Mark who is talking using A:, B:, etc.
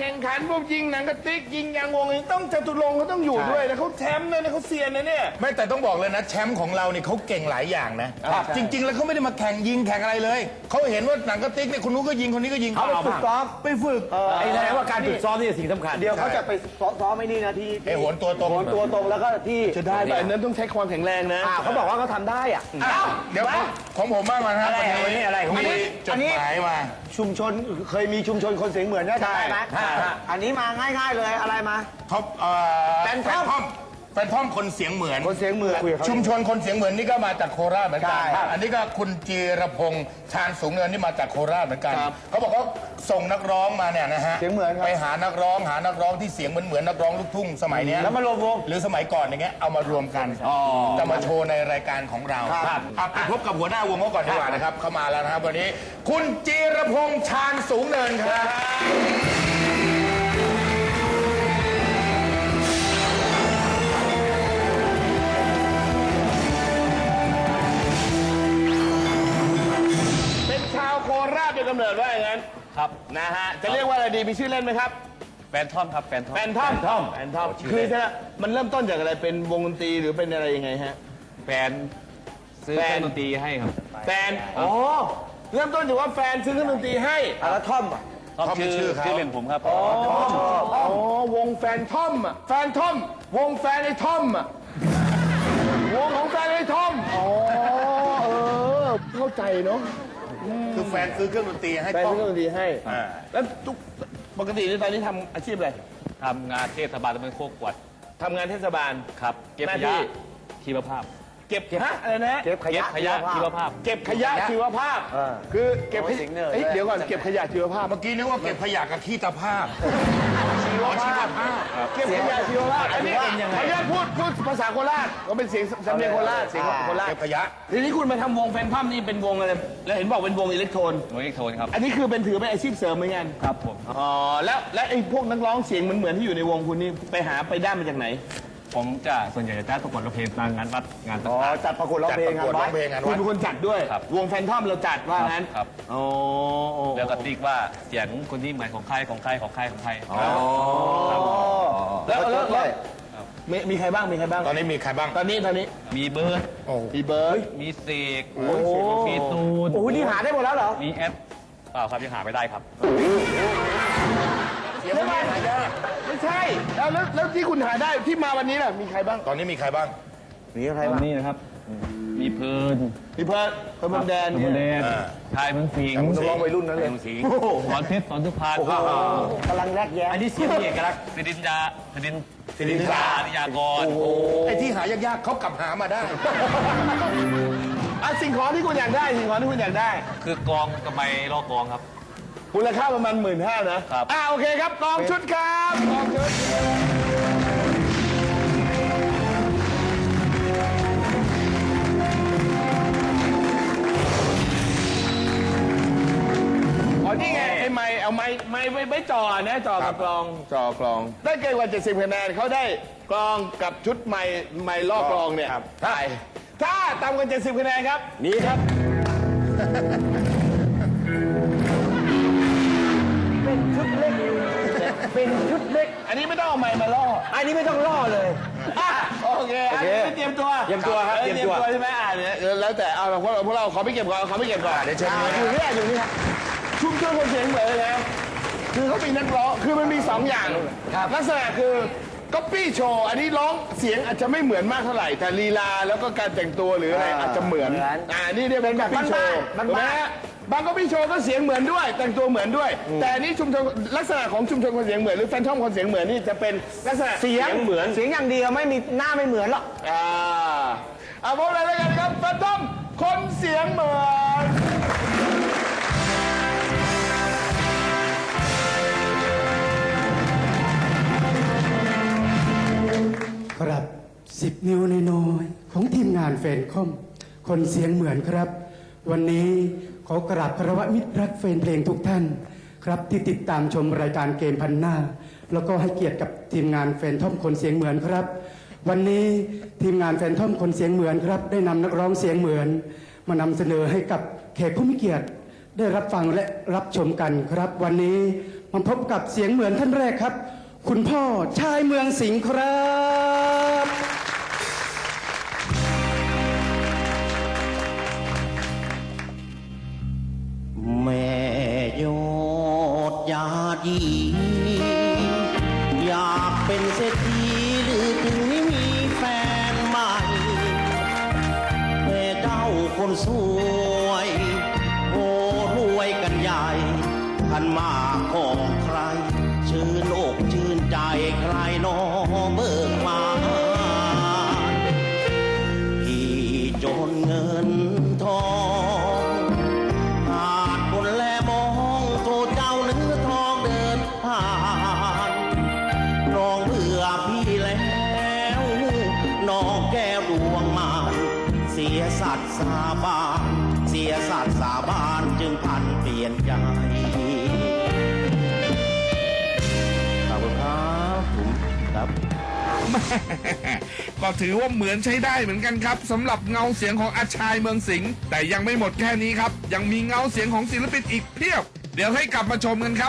A: ข่งขันพวกยิงหนังกระติกยิงยางวงต้องจตุรงค์เขาต้องอยู่ด้วยนะเขาแชมป์นะเขาเซียนนะเนี่ย
B: ไม่แต่ต้องบอกเลยนะแชมป์ของเราเนี่ยเขาเก่งหลายอย่างนะจริง ๆ แล้วเขาไม่ได้มาแข่งยิงแข่งอะไรเลยเขาเห็นว่าหนังกระติกเนี่ยคนนู้นก็ยิงคนนี้ก็ยิง
C: เขาไปฝึกซ้อม
B: ไปฝึก
C: ไอ้แสดงว่าการฝึกซ้อมนี่สิ่งสำคัญเดี๋ยวเขาจะไปซ้อมไม่นี่นะที่
B: ไอ้โหนตัวตรง
C: โหนตัวตรงแล้วก็ที่
A: จะได้แบบนั้นต้องใช้ความแข็งแรงนะ
C: เขาบอกว่าเขาทำได้อ่ะ
B: เดี๋ยวของผมบ้างมาครับวันนี้
C: อะไรของ
B: มีจดหมายมา
C: ชุมชนเคยมีชุมชนคนเสียงเหมือนได้ไหมอันนี้มาง่ายๆเลยอะไรมา
B: เขาแฟนทอมคนเสียงเหมือน
C: คนเสียงเหมือน
B: ชุมชนคนเสียงเหมือนนี่ก็มาจากโคราชเหมือนกัน
C: ใช่
B: อันนี้ก็คุณจีรพงษ์ชาญสูงเนินนี่มาจากโคราชเหมือนกันเขาบอกเขาส่งนักร้องมาเนี่ยนะฮะ
C: เสียงเหมือน
B: ไปหานักร้องที่เสียงเหมือนนักร้องลูกทุ่งสมัยเนี้ย
C: แล้วมารวมวง
B: หรือสมัยก่อนอย่างเงี้ยเอามารวมกันจะมาโชว์ในรายการของเราไปพบกับหัวหน้าวงเขาก่อนดีกว่านะครับเข้ามาแล้วนะครับวันนี้คุณจีรพงษ์ชาญสูงเนินครับ
A: ชาวโคราชเป็นกำเนิดว่าอย่างนั้น
D: ครับ
A: นะฮะจะเรียกว่าอะไรดีมีชื่อเล่นไหมครับ
D: แฟนทอมครับแฟนทอม
A: แฟนทอมคือมันเริ่มต้นจากอะไรเป็นวงดนตรีหรือเป็นอะไรยังไงฮะ
D: แฟนซื้อเครื่องดนตรีให้ครับ
A: แฟนอ๋อเริ่มต้นจากว่าแฟนซื้อเครื่องดนตรีให้
C: แล้วท่อม
D: ทอมชื่อเล่นผมครับ
A: อ๋อวงแฟนทอมอ่ะแฟนทอมวงแฟนไอ้ทอมอ่ะวงของแฟนไอ้ทอมอ๋อเข้าใจเนาะ
B: คือแฟนซื้อเครื่องดนตรีให้
A: แฟน
B: ต้อ
A: ซื้
B: ง
A: อเครื่องดนตรีให้แล้วปกติในตอนนี้ทำอาชีพอะไร
D: ทำงานเทศบาลตำบลโคกกวด
A: ทำงานเทศบาล
D: ครับ เก็บ
A: หน้า
D: ข
A: ที่
D: ยะชีวภาพ
A: เก็บฮะอะไรนะ
C: เก็บขยะ
D: ชีวภาพ
A: เก็บขยะชีวภาพคือเก็บ
C: โอ้ยสิงห์เนอร์
A: เดี๋ยวก่อนเก็บขยะชีวภาพ
B: เมื่อกี้นึกว่าเก็บขยะกับขี้ตาภาพชีวภาพ
A: เก็บขยะชีวภาพอันนี้ขยะพูดภาษาโคราชก็เป็นเสียงสำเนียงโคราชเสียงโคราช
B: เก็บขยะ
A: ทีนี้คุณมาทำวงแฟนพัมนี่เป็นวงอะไรแล้วเห็นบอกเป็นวงอิเล็กโทรน
D: หน่วยเอกโทนครับ
A: อันนี้คือเป็นถือเป็นอาชีพเสริมเหมือนกัน
D: ครับผม
A: อ๋อแล้วไอ้พวกนักร้องเสียงเหมือนที่อยู่ในวงคุณนี่ไปได้มาจากไหน
D: ผมจะส่วนใหญ่จะได้ประกวดร้องเพลงตามงานวัดงาน
C: อ๋อ
D: ต่าง
C: จัดประกวดร้องเพลง
B: จัดประกวดร้องเพลง
A: คุณเป็นคนจัดด้วย
D: ครับ
A: วงแฟนทอมเราจัดว่างั้น
D: ครับ
A: อ๋อ
D: ๆแล้วก็ติ๊กว่าเสียงคนที่เหมือนของใครของใครของใครของใคร
A: แล้วมีใครบ้างมีใครบ้าง
B: ตอนนี้มีใครบ้าง
A: ตอนนี้
D: มีเบิร์ด
A: มีเบิร์ด
D: มีเสกมีตูน
C: โอ้โหนี่หาได้หมดแล้วเหรอ
D: มีแอดเปล่าครับยังหาไม่ได้ครับ
B: เสียงไม่หายาก
A: ไม่ใช่แล้วที่คุณหาได้ที่มาวันนี้ล่ะมีใครบ้าง
B: ตอนนี้มีใครบ้าง
C: มีใคร
D: ต
C: บ้าง
D: นี่นะครับ มีเพลิน
A: มีเพิร์ดเมืองแดน
D: ตำบลแดนชายเมืองสิงห์
C: นักร้องวัยรุ่นนั้นเลย
D: เมืองสิงห์สอนเพชรสอนสุพรรณ
C: กำลังแรกแย้
D: อันนี้เสียงมีเอกลักษณ์สิรินทรานิยากร
B: ไอ้ที่หายากๆเขากลับหามาได้
A: สิ่งของที่คุณอยากได้สิ่งของที่คุณอยากได้
D: คือกองกับไม้ลอกกองครับ
A: มูลค่าประมาณ15,000นะครับ โอเคครับกองชุดครับกองชุดอ๋อนี่ไงไอ้ไม้เอาไม้ไว้จ่อนะจ่อกับกลองจ่อกลองได้เกินกว่า70คะแนนเขาได้กลองกับชุดไม้ลอกกลองเนี่ยถ้าต่ำกว่า70คะแนนครับ
C: นี่ครับ เป็นชุดเล็ก เป็นชุดเล็ก
A: อันนี้ไม่ต้องเอาไม้มาล่อ
C: อันนี้ไม่ต้องล่อเลย
A: โอเคอันนี้เตรียมตัว
C: เตรียมตัวครับ
A: เตรียมตัวใช่ไหมเนี่ยแล้วแต่เอาพวกเราขอไม่เก็บก่อนขอไม่เก็บก่อน
B: เดี๋ยวเชิญ
A: อยู่นี่ชุมชนคนเสียงเหมือนเลยนะคือเขามีนักร้องคือมันมี2อย่างลักษณะคือก๊อปปี้โชว์อันนี้ร้องเสียงอาจจะไม่เหมือนมากเท่าไหร่แต่ลีลาแล้วก็การแต่งตัวหรืออะไรอาจจะเหมือนนี่เรียกเป็นแบบก๊อปปี้โชว์บางก๊อปปี้โชว์ก็เสียงเหมือนด้วย แต่งตัวเหมือนด้วย แต่อันนี้ชุมชนลักษณะของชุมชนคนเสียงเหมือนหรือแฟนทอมคนเสียงเหมือนนี่จะเป็นลักษณะ
C: เสียง
A: เหมือน
C: เสียงอย่างเดียวไม่มีหน้าไม่เหมือนหรอก
A: เอาพบเลยแล้วกันครับแฟนทอมคนเสียงเหมือน
E: ครับ10 นิ้วน้อยๆของทีมงานแฟนคอมคนเสียงเหมือนครับ วันนี้ขอกราบคารวะมิตรรักแฟนเพลงทุกท่านครับที่ติดตามชมรายการเกมพันหน้า แล้วก็ให้เกียรติกับทีมงานแฟนทอมคนเสียงเหมือนครับ วันนี้ทีมงานแฟนทอมคนเสียงเหมือนครับได้นำนักร้องเสียงเหมือน มานำเสนอให้กับแขกผู้มีเกียรติได้รับฟังและรับชมกันครับ วันนี้มาพบกับเสียงเหมือนท่านแรกครับ คุณพ่อชายเมืองสิงห์ครับ
F: แม่ยอดยาดีอยากเป็นเศรษฐีหรือถึงไม่มีแฟนใหม่แม่เจ้าคนสวยโอ้รวยกันใหญ่พันมาของใคร ชื่นอกชื่นใจใครหนอเบิกมาที่จนเงินทองขาดบนแลมองโทเจ้าเนื้อทองเดินผ่านน้องเบื่อพี่แล้วน้องแก้วดวงมานเสียสัตว์สาบานเสียสัตว์สาบานจึงพันเปลี่ยนใจขอบคุณครับผมครับ
B: ก็ถือว่าเหมือนใช้ได้เหมือนกันครับสำหรับเงาเสียงของอาชายเมืองสิงห์แต่ยังไม่หมดแค่นี้ครับ ยังมีเงาเสียงของศิลปินอีกเพียบ เดี๋ยวให้กลับมาชมกันครับ